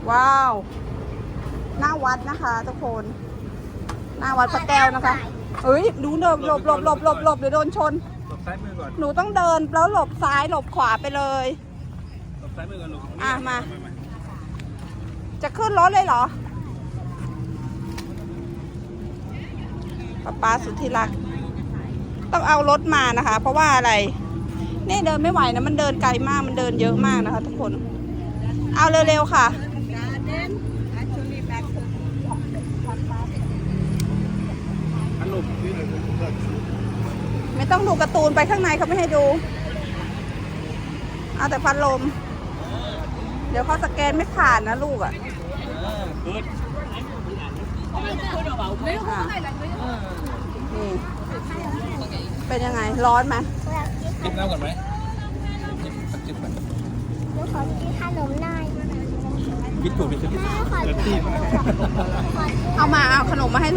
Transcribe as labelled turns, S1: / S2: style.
S1: ว้าวหน้าวัดนะคะทุกคนหน้าวัดพระแก้วนะคะเฮ้ยดูหลบเดี๋ยวโดนชน
S2: หลบซ้ายมือก่อน
S1: หนูต้องเดินแล้วหลบซ้ายหลบขวาไปเลย
S2: หลบซ้ายมือก่อนลูก
S1: มาจะขึ้นรถเลยเหรอป๊าสุดที่รักต้องเอารถมานะคะ เพราะว่าอะไรนี่เดินไม่ไหวนะมันเดินไกลมากมันเดินเยอะมากนะคะทุกคนเอาเร็วๆค่ะไม่ต้องดูการ์ตูนไปข้างในเขาไม่ให้ดูเอาแต่พัดลมเดี๋ยวเขาสแกนไม่ผ่านนะลูกอ่ะนี่เป็นยังไงร้อนไหม
S2: จิบน้ำก่อนไหมจิบก่อน
S3: หนูขอกินขนมหน่อย
S2: วิทย์ถูกไปซื้อที่
S3: แม่ขอกินขนม
S1: เอามาเอาขนมมาให้